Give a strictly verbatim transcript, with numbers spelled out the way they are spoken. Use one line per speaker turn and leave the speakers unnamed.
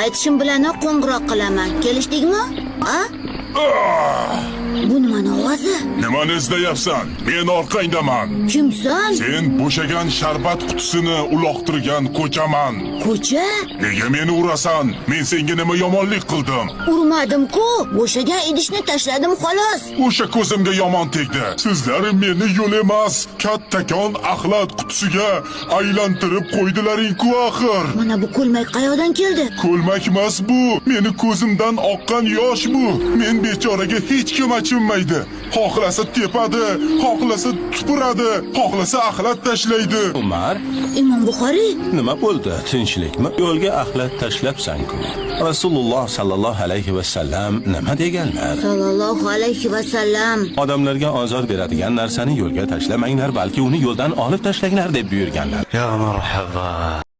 Qaytishim bilanoq qo'ng'iroq qilaman. Kelishdikmi? A? Bu nimani ovozi?
Nimani izlayapsan? Men orqangdaman.
Kimsan?
Sen bo'shagan sharbat qutisini uloqtirgan ko'chaman.
Ko'cha?
Nega meni urasan? Men senga nima yomonlik qildim?
Urmadim-ku. Bo'shagan idishni tashladim xolos.
O'sha ko'zimga yomon tegdi. Sizlar meni yo'l emas, kattakon axlat qutisiga aylantirib qo'ydilaring-ku axir.
Mana bu ko'lmak qayoqdan keldi?
Ko'lmak emas bu. Meni ko'zimdan oqqan yosh bu. Men bechoraga hech kim achinmaydi. Xohlasa tepadi, xohlasa tupuradi, xohlasa axlat tashlaydi.
Umar,
Imom Buxoriy,
nima bo'ldi? Tinchlikmi? Yo'lga axlat tashlabsan-ku. Rasululloh sallallohu alayhi va sallam nima deganlar?
sallallohu alayhi va sallam.
Odamlarga ozor beradigan narsani yo'lga tashlamanglar, balki uni yo'ldan olib tashlanglar deb buyurganlar.
Ya marhaba.